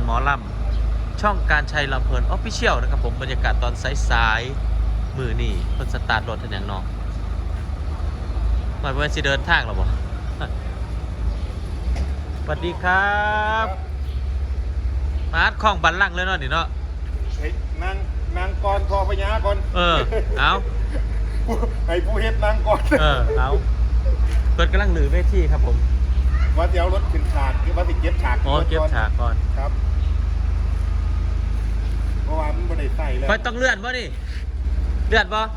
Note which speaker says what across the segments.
Speaker 1: หมอลำช่องการชัยลำเพลินออฟฟิเชียลนะครับผมบรรยากาศตอนสายๆมือนี่เพิ่นสตาร์ทรถทันอย่างน้องหมายว่าสิเดินทางหรอบ่สวัสดีครับมาร์ทของบันลังก์เลยเนาะนี่เนาะ
Speaker 2: นางกรทอพญาก่อน
Speaker 1: เอา
Speaker 2: ให้ผู้เฮ็ดนางกร
Speaker 1: เอาเปิดกำลังหรือเวทีครับผม
Speaker 2: ว่าจะเอารถขึ้นฉากคือว่าจะเก็บฉาก
Speaker 1: เก็บฉากก่อน
Speaker 2: ครับเพราะว่ามันไม่ได้ใส่เลย
Speaker 1: ค่อยต้องเลื่อนบ่นี่เลื่อนบ่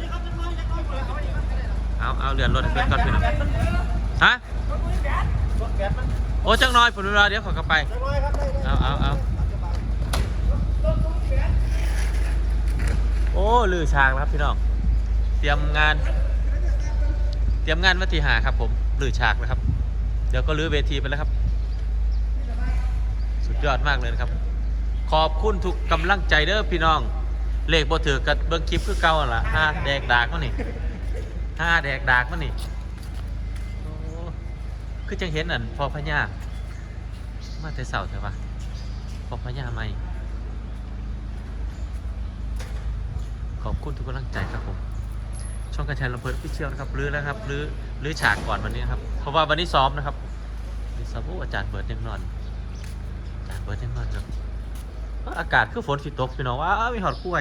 Speaker 1: เอาเลื่อนรถให้เพื่อนก่อนพี่น้องฮะโอ้จังน้อยผมรอเดี๋ยวขอกลับไปเอาโอ้ลือฉากแล้วครับพี่น้องเตรียมงานวันที่5ครับผมลือฉากแล้วครับเดี๋ยวก็ลื้อเวทีไปแล้วครับสุดยอดมากเลยนะครับขอบคุณทุกกำลังใจเด้อพี่น้องเลขบ่ถือกับเบิ่งคลิปคือเก่าล่ะ5แดกดากมั้งนี่5แดกดากมั้งนี่โอ้คือจังเห็นอันพอพญามาแต่เสาร์ใช่ปะพอพญาใหม่ขอบคุณทุกกำลังใจครับผมช่องการแชร์ลำเพลินพิเชียวนะครับลื้อแล้วครับลื้อฉากก่อนวันนี้นะครับเพราะว่าวันนี้ซ้อมนะครับนี่ซ้อมอาจารย์เบิร์ดยังนอนครับอากาศคือฝนสิตกพี่น้องว้าวมีหอดกล้วย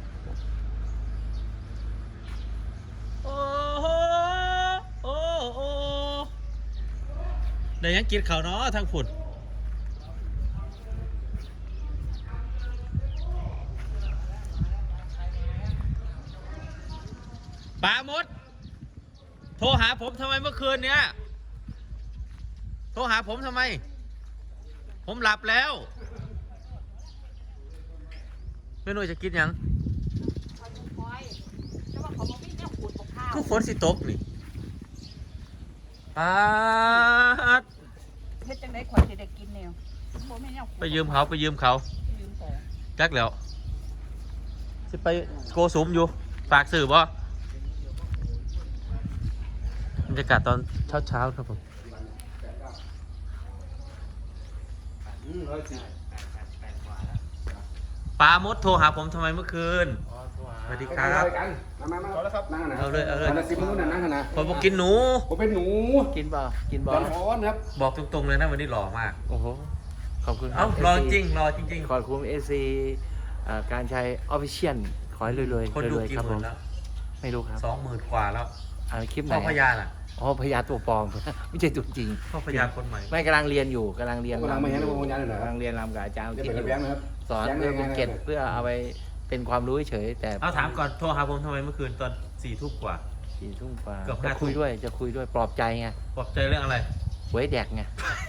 Speaker 1: โอ้โหเดี๋ยวยังกินข้าวเนาะทางฝุ่นปามดโทรหาผมทำไมเมื่อคืนเนี้ยโทรหาผมทำไมผมหลับแล้วไม่รู้จะกินยังคือฝนสิตกนี่
Speaker 3: เฮ็ดจังได๋ข่อยสิได้กินแนวบ่แม่นแนว
Speaker 1: ไปยืมเขาจักแล้วสิไปโกสุมอยู่ฝากสื่อบ่บรรยากาศตอนเช้าครับผมปามดโทรหาผมทำไมเมื่อคืนสวัสดีครับ
Speaker 2: มาแล้วครับ
Speaker 1: เอาเลย
Speaker 2: 10 มื้อนั่นนะ
Speaker 1: ผมบอกกินหนู
Speaker 2: ผมเป็นหนู
Speaker 4: กินบ่
Speaker 2: ร้อนครับ
Speaker 1: บอกตรงๆเลยนะวันนี้หล่อมาก
Speaker 4: โอ้โหขอบคุณ
Speaker 1: เอ้ารอจริง
Speaker 4: ขอบคุณAC การใช้ Official ขอให้รวยๆ
Speaker 1: คนดูกี่หมื่นแล้ว
Speaker 4: ไม่รู้ครับ
Speaker 1: 20,000 กว่าแล้ว
Speaker 4: คลิปไหน
Speaker 1: พ่อพญาน่ะ
Speaker 4: พญาตัวปลอม ไม่ใช่ตัวจริง
Speaker 1: พ่อพญาคนใหม่
Speaker 4: ไม่กำลังเรียนอยู่กำลังเรียน
Speaker 2: มาเห็นพ่อพญาเลยเหรอก
Speaker 4: ำลังเรียนรำกับอาจารย์ที่
Speaker 2: นะครับ
Speaker 4: สอนเพื่อเป็นเกตเพื่อเอาไปเป็นความรู้เฉยแต่
Speaker 1: เอาถามก่อนโทรหาผมทำไมเมื่อคืนตอน4 ทุ่มกว่า
Speaker 4: 4 ทุ่มกว่า
Speaker 1: เกือบ
Speaker 4: จะคุยด้วยปลอบใจไง
Speaker 1: ปลอบใจเรื่องอะไร
Speaker 4: หวยแดกไง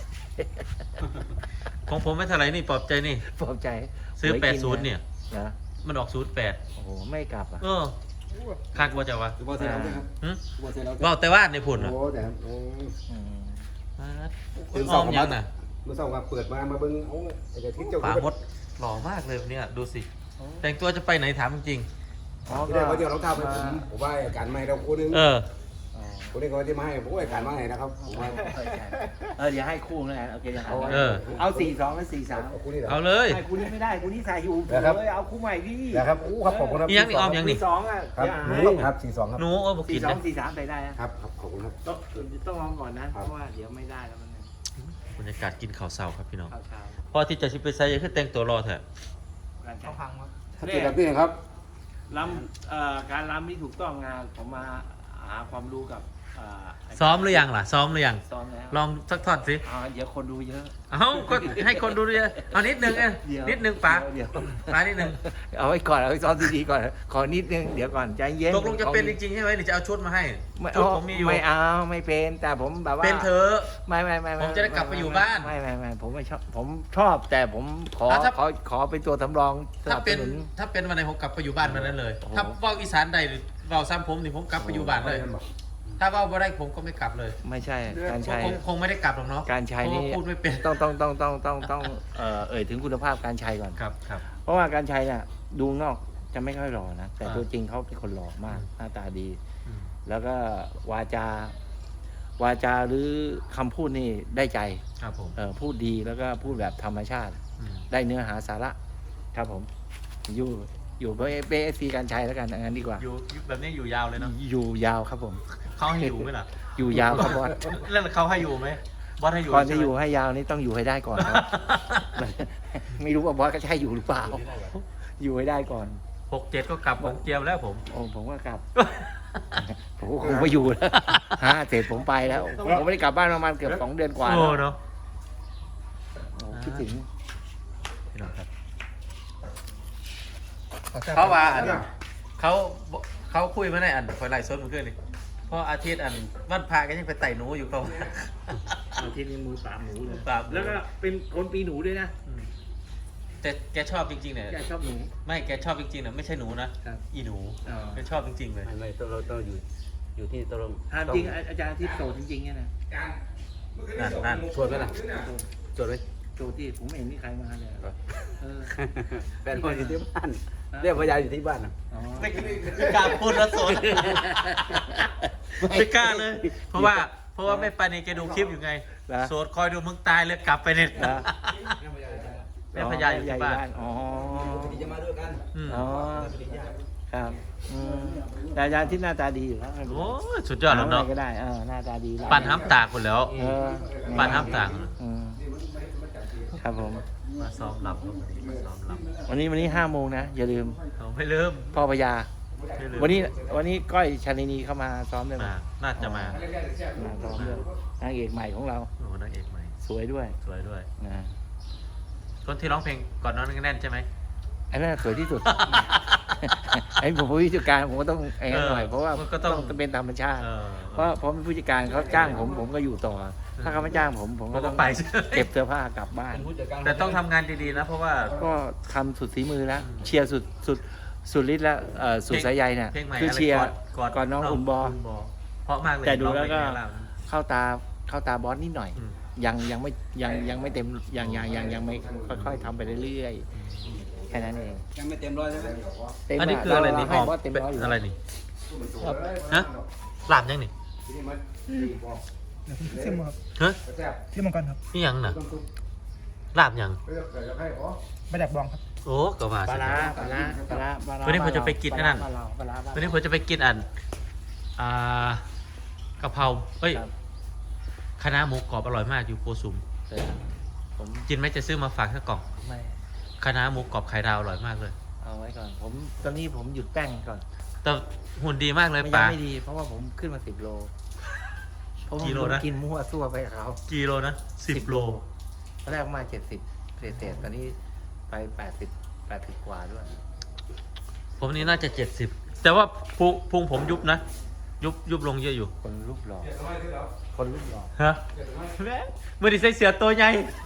Speaker 1: ของผมไม่เท่าไหร่นี่ปลอบใจนี่
Speaker 4: ปลอบใจ
Speaker 1: ซื้อ80เนี่ย
Speaker 4: นะ
Speaker 1: มันออก08
Speaker 4: โอ้โหไม่กลับอ่ะ
Speaker 1: คักว่าจะวะ
Speaker 2: บ่เสียแล้วครับ
Speaker 1: บอกแต่ว่าในผล
Speaker 2: โอ้แต่
Speaker 1: อ้อมยังน่ะ
Speaker 2: เมื่อสองวันเปิดมาเบิ่งเอาไอ้ที่เจ้า
Speaker 1: ป่ามดหล่อมากเลยเนี่ยดูสิแต่งตัวจะไปไหนถามจริง
Speaker 2: ไม่ได้ว่าเดี๋ยวเราทำให้ผมว่าอาการใหม่เราคนนึงคนนี้เขาจะมาให้ผมว่าอาการมาไงนะครับ
Speaker 4: เดี๋ยวให้คู่นะโอเคเอา42และ43
Speaker 1: เอาเลย
Speaker 4: คู่นี้ไม่ได้คู่นี้ใส่อยู่เลยเอาคู่ใหม่ดิ
Speaker 2: นะครับครับขอบคุณครับ
Speaker 1: ยังนี่ออมยังนี่
Speaker 4: 2อ่ะ
Speaker 2: ครับ42ครับ
Speaker 1: หนูบอกกิน
Speaker 4: 43ไปได้
Speaker 2: ครับขอบคุณครับ
Speaker 4: ต้องลองก่อนนะเพราะว่าเดี๋ยวไม่ได้แล้วมัน
Speaker 1: บรรยากาศกินข้าวเช้าครับพี่น้องพอที่จะชิไปใส่ยังคือแต่งตัวรอเถอะ
Speaker 4: เขาพังครับ
Speaker 2: ถ้าเกิดแบบนี้ครับ
Speaker 4: การรำที่ถูกต้องงานผมมาหาความรู้กับ
Speaker 1: ซ้อมหรือยังล่ะซ้อมแล้วลองสักทอดสิ
Speaker 4: เดี๋ยวคนดูเยอะ
Speaker 1: ก็ให้คนดูเยอะเอานิดนึงนิดนึงป๋านิดนึง
Speaker 4: เอาไว้ก่อนเอาไว้ซ้อมดีๆก่อนขอนิดนึงเดี๋ยวก่อนใจเย็น
Speaker 1: ตกลงจะเป็นจริงๆใช่ไหมหรือจะเอาชุดมาให้
Speaker 4: ชุดผมมีอยู่ไม่เอาไม่เป็นแต่ผมแบบว่า
Speaker 1: เป็นเธอ
Speaker 4: ไม่
Speaker 1: ผมจะได้กลับไปอยู่บ้าน
Speaker 4: ไม่ผมไม่ชอบผมชอบแต่ผมขอเป็นตัวสำรอง
Speaker 1: ถ้าเป็นวันไหนผมกลับไปอยู่บ้านวันนั้นเลยถ้าเว้าอีสานใดหรือเว้าซ้ำผมนี่ผมกลับไปอยู่บ้านเลยถ้าว่าไม่ได้ผมก็ไม่กลับเลย
Speaker 4: ไม่ใช่การใช้
Speaker 1: คงไม่ได้กลับหรอกเนาะ
Speaker 4: การใช้นี่
Speaker 1: พูดไม่เป็น
Speaker 4: ต้องถึงคุณภาพการใช้ก่อน
Speaker 1: ครับ
Speaker 4: เพราะว่าการใช้เนี่ยดูนอกจะไม่ค่อยหล่อนะแต่ตัวจริงเขาเป็นคนหล่อมากหน้าตาดีแล้วก็วาจาหรือคำพูดนี่ได้ใจ
Speaker 1: ครับผม
Speaker 4: พูดดีแล้วก็พูดแบบธรรมชาติได้เนื้อหาสาระครับผมอยู่เบสซีการชัยแล้วกันงั้นดีกว่า
Speaker 1: อยู่แบบนี้อยู่ยาวเลยเนาะ
Speaker 4: อยู่ยาวครับผม
Speaker 1: เขาให้อยู่ไหมล่ะ
Speaker 4: อยู่ยาวครับบอส
Speaker 1: แล้วเขาให้อยู่ไหมบอสให้อยู่
Speaker 4: ก่อนจะ
Speaker 1: ใช่ไหม
Speaker 4: อยู่ให้ยาวนี่ต้องอยู่ให้ได้ก่อนครับ ไม่รู้ว่าบอสก็ใช่อยู่หรือเปล่า อยู่ให้ได้ก่อน
Speaker 1: 6-7ก็กลับของเจียมแล้วผม
Speaker 4: โอ้ผมก็กลับ ผมก็คงไม่อยู่แล้วเสร็จผมไปแล้ว ผมไม่ได้กลับบ้านประมาณเกือบ2 เดือนกว่า
Speaker 1: โอ้
Speaker 4: แล้ว
Speaker 1: เนาะ
Speaker 4: โอ้คิดถึง
Speaker 1: พี่น้องครับเขาว่าอันเขาคุยมาในอันคอยไล่สดมันขึ้นเลยเพราะอาทิตย์อันวันพาก็ยังไปไต่หนูอยู่เขาว่า
Speaker 4: อาทิตย์นี้มือปราบหนูเลย
Speaker 1: ปราบหนู
Speaker 4: แล้วก็เป็นคนปีหนูด้วยนะ
Speaker 1: แต่แกชอบจริงๆเนี่ย
Speaker 4: แกชอบหนู
Speaker 1: ไม่แกชอบจริงๆเนี่ยไม่ใช่หนูนะครับ อีหนู
Speaker 4: อ๋อ
Speaker 1: แกชอบจริงๆเลย
Speaker 5: ไม่เราต้องอยู่ที่ตรง
Speaker 4: ถามจริงอาจารย์ที่โสดจริงๆเนี่ยนะ
Speaker 1: นั่น
Speaker 5: ชวนไหมล่ะชวนไหม
Speaker 4: โสดที่ผมไม่เห็นมีใครมาเลยเออ
Speaker 5: แฟนคนอยู่ที่บ้านเรียกพยาอยู่ที่บ้านนะ
Speaker 4: อ๋อ
Speaker 1: ไม่กล้าพูดแล้วสนไม่กล้าเลย เพราะว่าไม่ปานีแกดูคลิปอยู่ไง
Speaker 4: นะ
Speaker 1: โสดคอยดูมึงตายเลยกลับไปเนี่ย
Speaker 4: นะ
Speaker 1: แม่พญาอยู่ที่บ้าน
Speaker 4: อ๋อ
Speaker 5: จะมาด้วยกัน
Speaker 1: ม
Speaker 4: อ๋อครับแต่อาจารย์ที่หน้าตาดีอยู่แล้ว
Speaker 1: โอ้ยสุดยอดแล้วเนาะ
Speaker 4: ก็ได้หน้าตาดี
Speaker 1: ปั่นห้ำตากคนแล้ว
Speaker 4: เออ
Speaker 1: ปั่นห้ำตาก
Speaker 4: อืมครับผม
Speaker 1: มาซ้อมหลับมาซ้อมหลับ
Speaker 4: วันนี้5 โมงนะ อย่าลืม
Speaker 1: เอาไม่ลืม
Speaker 4: พ่อพญา
Speaker 1: ไม่ลืม
Speaker 4: วันนี้ก้อยชาลินีเข้ามาซ้อมด้วยไหม
Speaker 1: น่าจะมา
Speaker 4: มาซ้อมด้วยนางเอกใหม่ของเรา
Speaker 1: โอ้นางเอกใหม่
Speaker 4: สวยด้วย
Speaker 1: สวยด้วย
Speaker 4: นะ
Speaker 1: คนที่ร้องเพลงก่อนนอนแน่นใช่ไหม
Speaker 4: ไอ้นั่นสวยที่สุด ไอ้ผมเป็นผู้จัดการผมก็ต้องไอ้นั่นหน่อยเพราะว่า
Speaker 1: ก็ต้อง
Speaker 4: เป็นธรรมชาติ
Speaker 1: เออ
Speaker 4: เพราะผมเป็นผู้จัดการเขาจ้างผมก็อยู่ต่อ ถ้าเขาไม่จ้างผมก็ต้อง
Speaker 1: ไป
Speaker 4: เก็บเสื้อผ้ากลับบ้าน
Speaker 1: แต่ต้องทำงานดีๆนะเพราะว่า
Speaker 4: ก็ทำสุดฝีมือแล้วเชียร์สุดฤทธิ์แล้วสุดสายใยเนี่ย
Speaker 1: เพลงใหม่
Speaker 4: คือ
Speaker 1: อะไร
Speaker 4: เชียร์
Speaker 1: ก่อน
Speaker 4: น้องอุ่นบอ
Speaker 1: เพราะมากเลย
Speaker 4: แต่ดูแล้วก็
Speaker 1: ร้องเพงนี้
Speaker 4: เข้าตาบอสนิดหน่อย
Speaker 1: อืม
Speaker 4: ยังไม่เต็มยังไม่ค่อยๆทำไปเรื่อยๆแค่นั้นเอง
Speaker 5: ยังไม่เต็มร้อยใช่ไหม
Speaker 4: เต็ม
Speaker 1: อันนี้คืออะไรนี่ห
Speaker 4: ให้
Speaker 1: อม
Speaker 4: บอสเต็มร้อยอยู่
Speaker 1: อะไรนี่ฮะหลามยังนี่
Speaker 6: ซิมครับ
Speaker 1: ฮะ
Speaker 6: ซิมมังกรครับ
Speaker 1: นี่ยังน่ะหลามยัง
Speaker 6: ไม่ดักบองครับ
Speaker 1: โอ้ก็ว่า
Speaker 4: ปลา
Speaker 1: สิ
Speaker 4: ร้า
Speaker 1: วันนี้ผมจะไปกินไอ้นั่น
Speaker 4: ปลาร้า
Speaker 1: วันนี้ผมจะไปกินอันกะเพราเอ้ย
Speaker 4: ครับ
Speaker 1: คะน้าหมูกรอบอร่อยมากอยู่โกสุม
Speaker 4: แต่ผม
Speaker 1: กินไหมจะซื้อมาฝากสักกล่อง
Speaker 4: ไม่
Speaker 1: คะน้าหมูกรอบไข่ดาวอร่อยมากเลย
Speaker 4: เอาไว้ก่อนตอนนี้ผมหยุดแป้งก่อน
Speaker 1: แต่หุ่นดีมากเลย
Speaker 4: ไม่
Speaker 1: ป๋า
Speaker 4: ไม่ดี เพราะว่าผมขึ้นมา10 โลเพราะว่า
Speaker 1: กี่โล
Speaker 4: ผม
Speaker 1: นะ
Speaker 4: กินมั่วซั่วไปกับเขา
Speaker 1: กิโลนะ10 โล
Speaker 4: ตอนแรกประมาณ70เศษตอนนี้ไป80 กว่าด้วย
Speaker 1: ผมนี่น่าจะ70แต่ว่าพุงผมยุบนะ ยุบลงเยอะอยู่
Speaker 4: คนรูปหล่อ
Speaker 1: ฮะเมื่อดีใส่เสือตัวใหญ่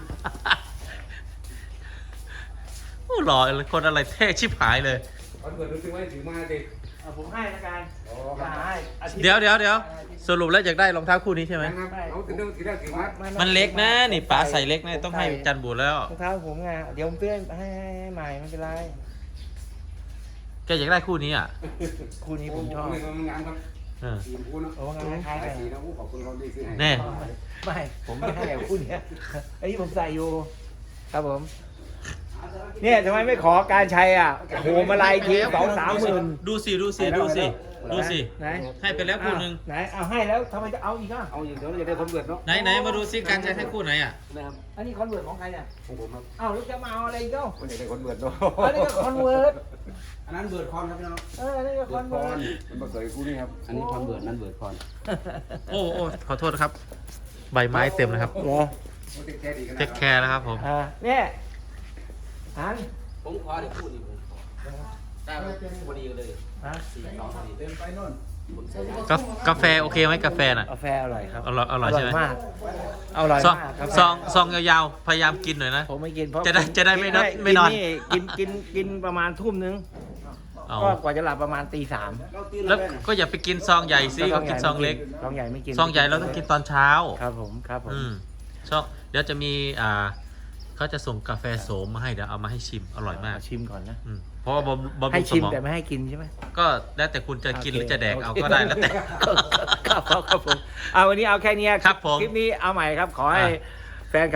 Speaker 1: โอ้หล่อเลยคนอะไรเท่ชิบหายเลย
Speaker 2: วันเกิดรู้สึกว่าถือมาดิ
Speaker 4: ผมให้ละกัน
Speaker 1: เดี๋ยวสรุปแล้วอยากได้รองเท้าคู่นี้ใช่ไหม
Speaker 2: เอาถึงเรื่องถือได้ถือมา
Speaker 1: มันเล็กนะนี่ป๋าใส่เล็กนะต้องให้จันบูดแล้ว
Speaker 4: รองเท้าผมไงเดี๋ยวผมเพื่อนให้ใหม่ไม่เป็นไร
Speaker 1: แกอยากได้คู่นี้อ่ะ
Speaker 4: คู่นี้ผมชอบ
Speaker 2: มันงานครับ
Speaker 1: เออ
Speaker 2: สีพูนะ
Speaker 4: โอ้งานคล้ายๆกัน
Speaker 2: สีนะขอบคุณเขาดีซื้อให้
Speaker 1: แน่
Speaker 4: ไม่ผมไม่ให้คู่เนี้ยอันนี้ผมใส่อยู่ ครับผม เนี่ยทำไมไม่ขอการใช้อ่ะโหมาลายที2-3 หมื่น
Speaker 1: ดูสิ
Speaker 4: ไหน
Speaker 1: ให้ไปแล้วคู่หนึ่ง
Speaker 4: ไหนเอาให้แล้วทำไมจะเอาอีกอ่ะ
Speaker 2: เอาอย่างเดียวเราจะได้คนเกิดเนาะ
Speaker 1: ไหนมาดูซิการใช้ให้คู่ไหนอ่ะ
Speaker 2: นะครับ
Speaker 4: อันนี้คอนเวิร์ตของใครเนี่ย
Speaker 2: ของผมครับ
Speaker 4: อ้าวแล้วจะมาเอาอะไรอีกเจ้า
Speaker 2: คนอยากได้คนเกิดเนาะ
Speaker 4: อันนี้ก็คอนเวิร์ต
Speaker 5: อันนั้นเบิร์ดคอนครับพี่น้อง
Speaker 4: อันนี้ก็คอนเวิร์ต
Speaker 2: มันมาเกิดคู่นี้ครับ
Speaker 5: อันนี้คอนเบิร์ดนั่นเบิร์ดคอน
Speaker 1: โอ้ขอโทษนะครับ ใบไม้เต็มเลยครับ
Speaker 4: เหรอ
Speaker 2: แค่ดีกัน
Speaker 1: เทคแคร์นะครับผม
Speaker 4: เนี่ยอัน
Speaker 5: ผมขอได้พูดอีกได้พอดีเลย
Speaker 4: ฮะ
Speaker 5: 4-2พอดีเต็มไปนู่นผมใส่ได้
Speaker 1: กาแฟโอเคไหมกาแฟน่ะ
Speaker 4: กาแฟอร่อยครับ
Speaker 1: อร่อยใช่ไหม
Speaker 4: มากอร่อย
Speaker 1: ซอง
Speaker 4: มากครับ
Speaker 1: ซองยาวๆพยายามกินหน่อยนะ
Speaker 4: ผมไม่กินเพราะ
Speaker 1: จะได้ไม่นอนไม่นอน
Speaker 4: กินประมาณทุ่มนึง
Speaker 1: เอา
Speaker 4: ก็กว่าจะหลับประมาณตี 3
Speaker 1: แล้วก็อย่าไปกินซองใหญ่สิก็กินซองเล็ก
Speaker 4: ซองใหญ่ไม่กิน
Speaker 1: ซองใหญ่เราต้องกินตอนเช้า
Speaker 4: ครับผม
Speaker 1: ซองเดี๋ยวจะมีเขาจะส่งกาแฟโสมมาให้เดี๋ยวเอามาให้ชิมอร่อยมาก
Speaker 4: ชิมก่อนนะ
Speaker 1: เพราะว่าบำ
Speaker 4: ให้
Speaker 1: รุงส
Speaker 4: ชิม
Speaker 1: มอง
Speaker 4: แต่ไม่ให้กินใช่ไหม
Speaker 1: ก็แล้วแต่คุณจะกินหรือจะแดกเอา
Speaker 4: โค
Speaker 1: ก็ได้แล้วแต่
Speaker 4: ครับผมเอาวันนี้เอาแค่นี้
Speaker 1: ครับผม
Speaker 4: คลิปนี้เอาใหม่ครับ ขอให้แฟนครับ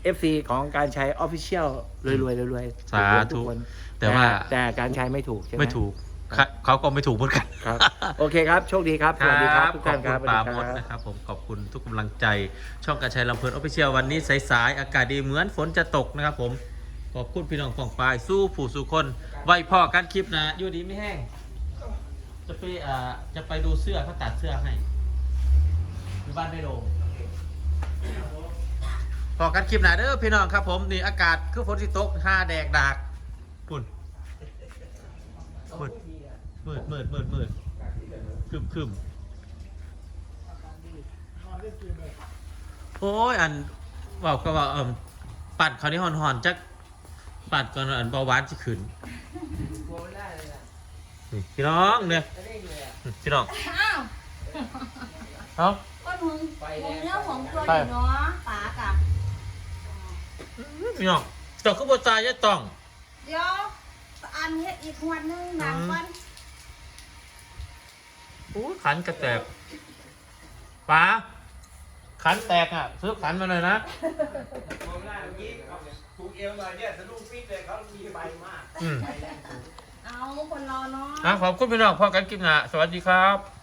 Speaker 4: FC ของการใช้ Official รวยๆรวยๆ
Speaker 1: สาธุ
Speaker 4: ทุกคน
Speaker 1: แต่ว่า
Speaker 4: แต่การใช้ไม่ถูกใช่ไหม
Speaker 1: ไม่ถูกเขาก็ไม่ถูกเหมือนกัน
Speaker 4: ครับโอเคครับโชคดีครับสวัสดีครับทุกท่านครับ
Speaker 1: ขอบคุณปาโมดนะครับผมขอบคุณทุกกำลังใจ ช่องการชัยลำเพลินออฟฟิเชียลวันนี้สายๆอากาศดีเหมือนฝนจะตกนะครับผมขอบคุณพี่น้องฝั่งปลายสู้ผู้สู้คนไว้พ่อกันคลิปนะอยู่ดีไม่แห้งจะไปดูเสื้อเขาตัดเสื้อให้ที่บ้านไม่โดมพอกันคลิปหนาเด้อพี่น้องครับผมนี่อากาศคือฝนสิตก5 แดกดากปุ่นมืดคึมโอ้ยอันบอกก็ว่าปัดเขานี่หอนๆจักปัดก่อนอันเบาหวานสิขึ้นนี่พี่น้องเนี่ยพี่น้อง
Speaker 3: อ้าว
Speaker 1: เอ้า
Speaker 3: ก็มึงเรื่องของตัวอยู่เนาะป๋ากับ
Speaker 1: พี่น้องเจ้าคือบ่ตายจะต้อง
Speaker 3: เดี๋ยวอันเฮ็ดอีกวันนึงนานก่อน
Speaker 1: โอ้ยขันกระแตกป๋าขันแตกอ่ะซื้อขันมาหน่อยนะ
Speaker 4: ถูกเอวหน่อยเนี่ยสะดุ้งฟิตเลยเขามีใบมาก
Speaker 1: อืม
Speaker 3: เอาคนรอเนาะ
Speaker 1: ขอบคุณพี่น้องพอกันคลิปหน้าสวัสดีครับ